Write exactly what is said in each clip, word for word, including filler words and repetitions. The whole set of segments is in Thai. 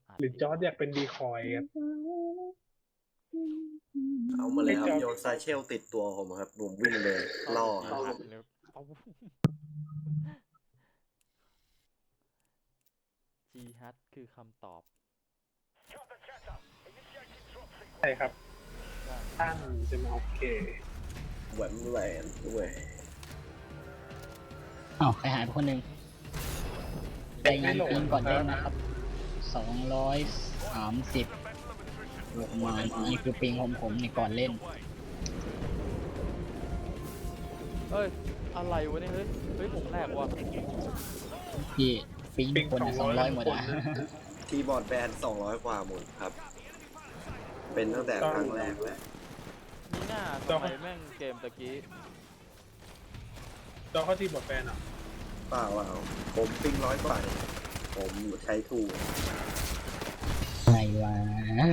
หรือจอร์จอยากเป็นดีคอยครับเอามาเลยครับโยนซาเชลติดตัวผมครับผมวิ่งเลยล่อครับหัดเลยเอาจีฮัทคือคำตอบใช่ครับท่านจะมาโอเคแหวนแหวนด้วยอ้าวใครหายไปคนหนึ่งรายงานทีมก่อนเล่นนะครับสองร้อยสามสิบประมาณนี่คือปิงของผมในก่อนเล่นเฮ้ย อะไรวะเนี่ย เฮ้ย เฮ้ย ผมแรกว่ะที่ปิงทุกคนสองร้อยหมดอ่ะทีบอร์ดแบนสองร้อยกว่าหมดครับ เป็นตั้งแต่ครั้งแรกแล้วมีหน้าทำไมแม่งเกมตะกี้จอร์จเข้าที่บทแฟนอ่ะเปล่าเปล่าผมปิ้งร้อยกว่าผมใช้ถูกไงวะ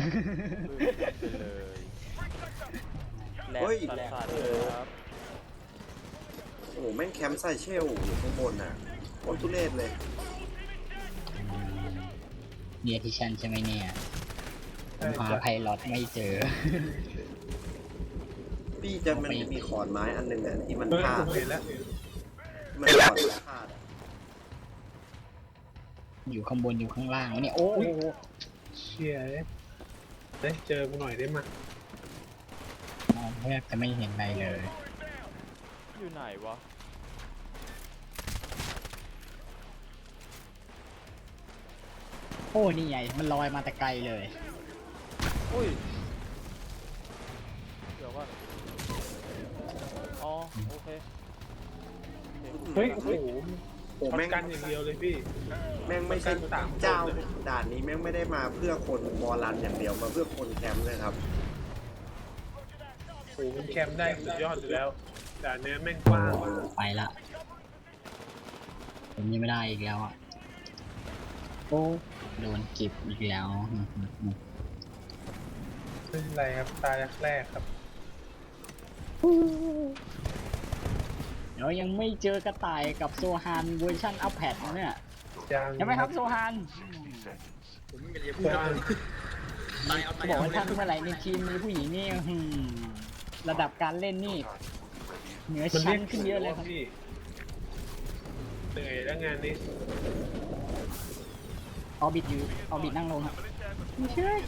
ไปเลยแลกสัตว์เลยครับโอ้โหแม่งแคมป์ไซเชลอยู่ข้างบนน่ะโคตรทุเรศเลยเนี่ยที่ฉันใช่ไหมเนี่ยผมหาไพลอตไม่เจอพี่จะมันมีขอนไม้อันหนึงอ่ะที่มันเฮ้ยพาผดมเห็นแล้วมันขอนไม้พาดอะอยู่ข้างบนอยู่ข้างล่างเนี่ยโอ้โหเชียร์เด้ยเจอกูหน่อยได้มั้ยมองแทบจะไม่เห็นอะไรเลยอยู่ไหนวะโอ้นี่ไงมันลอยมาแต่ไกลเลยอุ้ย เดี๋ยวก่อน อ๋อ โอเคเฮ้ยโอ้โหโอ้ช็อตแม่งกันอย่างเดียวเลยพี่แม่งไม่ใช่สามคนเจ้าด่านนี้แม่งไม่ได้มาเพื่อคนบอลลันอย่างเดียวมาเพื่อคนแคมป์เลยครับโอ้โหมันแคมป์ได้สุดยอดอยู่แล้วแต่เนื้อแม่งกว้างไปละผมยังไม่ได้อีกแล้วอ่ะโอ้โดนเก็บอีกแล้วไม่เป็นไรครับตายแรกครับเดี๋ยวยังไม่เจอกระต่ายกับโซฮานเวอร์ชันอัพแพดเนี่ยยังใช่ไหมครับโซฮานกว้างเขาบอกว่าท่านเมื่อไหร่ในทีมมีผู้หญิงนี่หืมระดับการเล่นนี่เหนือมันชั้เรียนกขึ้นเยอะเลยครับพี่เหนื่อยแล้วงานนี้ออบิทอยู่ออบิทนั่งลงครับไม่ใช่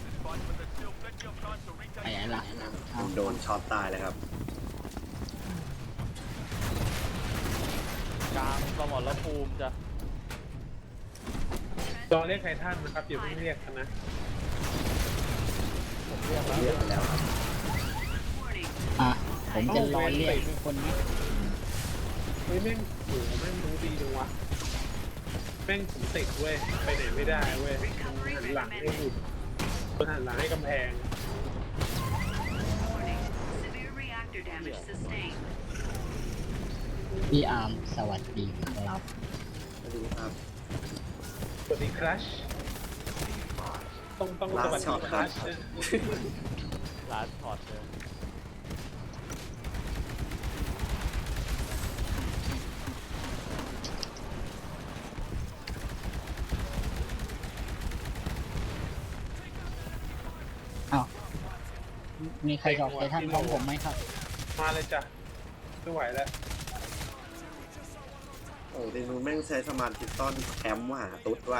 ไปไหนล่ะเอาโดนช็อตตายเลยครับกลางสมรภูมิจ้ะตอนเรียกไททันนะครับอย่าเพิ่งเรียกกันนะผมเรียกแล้วเรียกไปแล้วครับอ่ะผมจะรอเรียกคนนี้เฮ้ยแม่งโอ้โหแม่งรู้ดีจังวะแม่งผมติดเว้ยไปไหนไม่ได้เว้ยหันหลังให้หุ่นคนหันหลังให้กำแพง Severe reactor damage sustained. พี่อาร์มสวัสดีครับสวัสดีครับสวัสดีครัชต้องต้องสวัส Last ดี shot ครัชร้านถอดเลยอ้าวมีใครจอกไททันพร้อมผมไหมครับมาเลยจ้ะไม่ไหวแล้วโอ้ทีนู้นแม่งใช้สมาร์ททิตต้อนแคมป์ว่าตุ๊ดว่า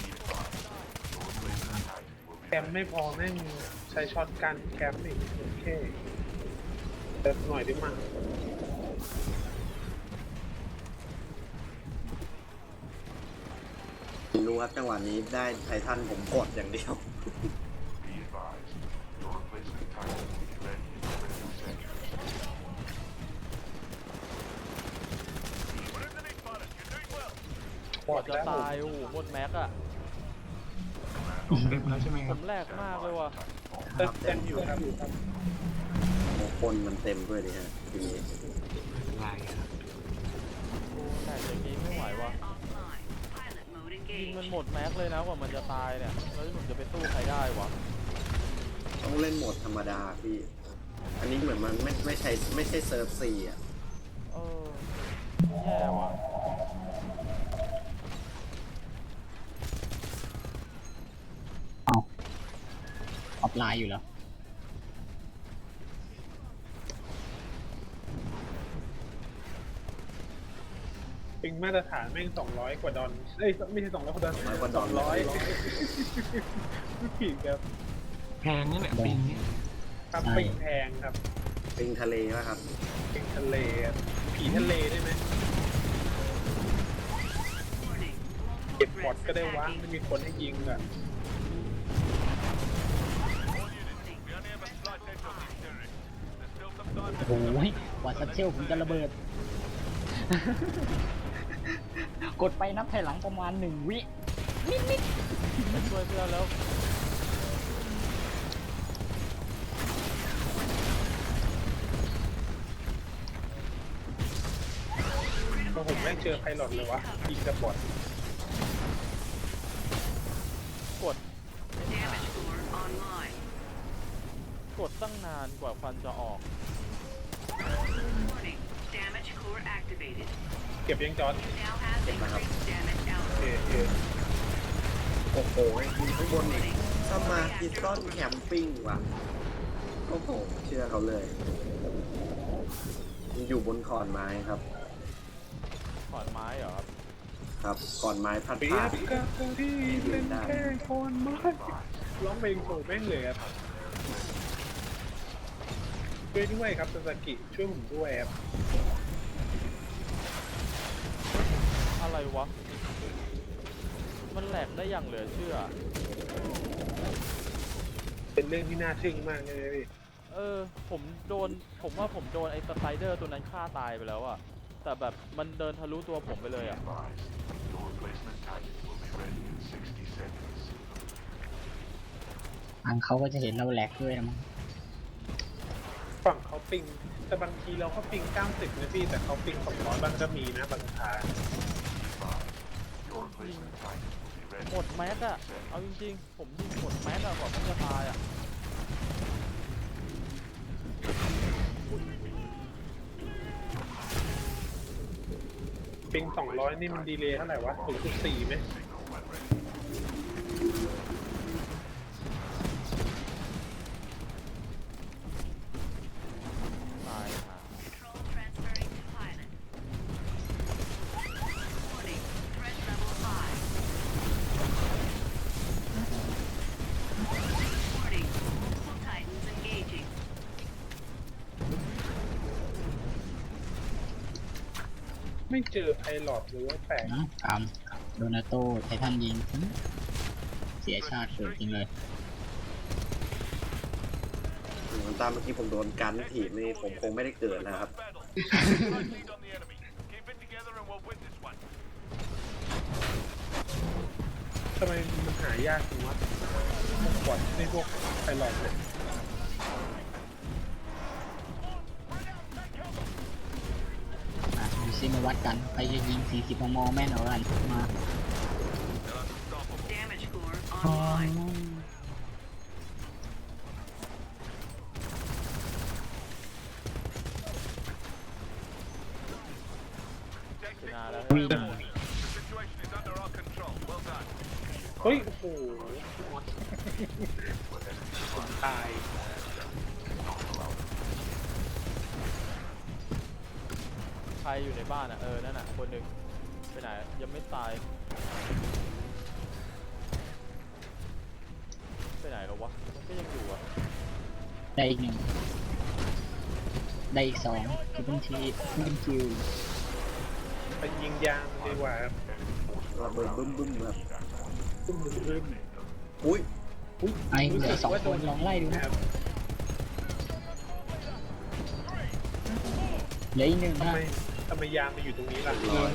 แคมไม่พอแม่งใช้ช็อตกันแคมอีกโอเคเติมหน่อยได้มั้งรู้ครับจังหวะนี้ได้ไททันผมกดอย่างเดียวบอดจะแล้วตาย โอ้โหหมดแม็กอะเต็มแล้วใช่ไหมคผรับมแรกมากเลยว่ะเติมเต็มอยู่ครับอยู่ครับคนมันเต็มด้วยดิฮะทีนี้ลายครับโอ้แต่อย่างนี้ไม่ไหวว่ะ Offline. Pilot mode ยิงมัน engaged. หมดแม็กเลยนะกว่ามันจะตายเนี่ย แล้วผมจะไปสู้ใครได้วะต้องเล่นโหมดธรรมดาพี่ อันนี้เหมือนมันไม่ไม่ใช่ไม่ใช่เซิร์ฟซีอ่ะเออ แย่ว่ะออฟไลน์อยู่แล้วปิงมาตรฐานแม่งสองร้อยกว่าดอลเอ้ยไม่ใช่สองร้อยกว่าดอลร้อยกว่าดสออลงร้อยไม่ผิดครับแพงนั่นแหละปิงเนี่ยครับใช่ปิงแพงครับปิงทะเลป่ะครับปิงทะเลครับผีทะเลได้ไหม Warning. เก็บ Multiple บอท threats ก็ได้วะ attacking. ไม่มีคนให้ยิงอ่ะโอ้ยกว่าซัตเชลผมจะระเบิด กดไปนับถอยหลังประมาณหนึ่งวิไปช่วยเพื่อนแล้วพอผมแม่งเจอไพลอตเลยวะยิงกับบอทกด Damage score online. กดตั้งนานกว่าฟันจะออก Warning. Damage core activated. เก็บยังจอด You now have increased damage เอ output. เอโอ้โหมีข้างบนอีกสมาธิต้นแคมปิ้งว่ะโอ้โหเชื่อเขาเลยมันอยู่บนขอนไม้ครับขอนไม้เหรอครับครับขอนไม้พัดเปียพาดบกับคนที่เป็นแค่คนไม้ร้องเพลงโชว์แม่งเลยครับช่วยด้วยครับซาสกิช่วยผมด้วยครับอะไรวะ มันแหลกได้อย่างเหลือเชื่อเป็นเรื่องที่น่าทึ่งมากเลยพี่เออ ผมโดน ผมว่าผมโดนไอ้สไตรเดอร์ตัวนั้นฆ่าตายไปแล้วอะแต่แบบมันเดินทะลุตัวผมไปเลยอะทางเขาก็จะเห็นเราแหลกด้วยนะมั้งฝั่งเขาปิง แต่บางทีเราก็ปิงเก้าสิบนะพี่ แต่เขาปิงสองร้อยบางก็มีนะบางทางหมดแม็กอะเอาจริงๆ ผมยิงหมดแม็กอะกว่าผมจะตายอะปิงสองร้อยนี่มันดีเลย์เท่าไหร่วะศูนย์จุดสี่ไหมตายหา Control transferring to pilot. Warning. Threat level high. Warning. Multiple titans engaging. ไม่เจอไพลอตหรือว่าแปลกนะกามโดนาโตไททันยิงหึเสียชาติเกิดจริงเลยเหมือนตามเมื่อกี้ผมโดนกันถีบนี่ผมคงไม่ได้เกิดแล้วครับทำไมมันหายากจังวะพวกบอทในพวกไพลอตเนี่ยอ่ะดูซิมาวัดกัน ใครจะยิง สี่สิบ มม แม่นเอากันมา Damage score อ๋อ online. ชนะแล้ววิ่งเฮ้ย โอ้โหผมตายใครอยู่ในบ้านอะเออ นั่นอะคนหนึ่งไปไหน ยังไม่ตาย ไปไหนแล้ววะ มันก็ยังอยู่อะได้อีกหนึ่ง ได้อีกสองคือเป็นทีเป็นคิวไปยิงยางดีกว่าครับระเบิดบึ้มบึ้มๆครับตุ้มบึ้มบึ้มอุ้ยไอ้เหลือสองคนลองไล่ดูนะครับเหลืออีกหนึ่งทำนะไมทำไมยางมาอยู่ตรงนี้ล่ะร้อย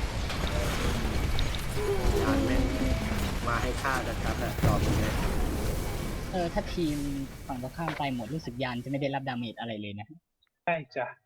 ยานแม่งมาให้ฆ่าชัดๆอะจอดตรงนี้เออ ถ้าทีมฝั่งตรงข้ามไปหมดรู้สึกยานจะไม่ได้รับดาเมจอะไรเลยนะใช่จ้ะ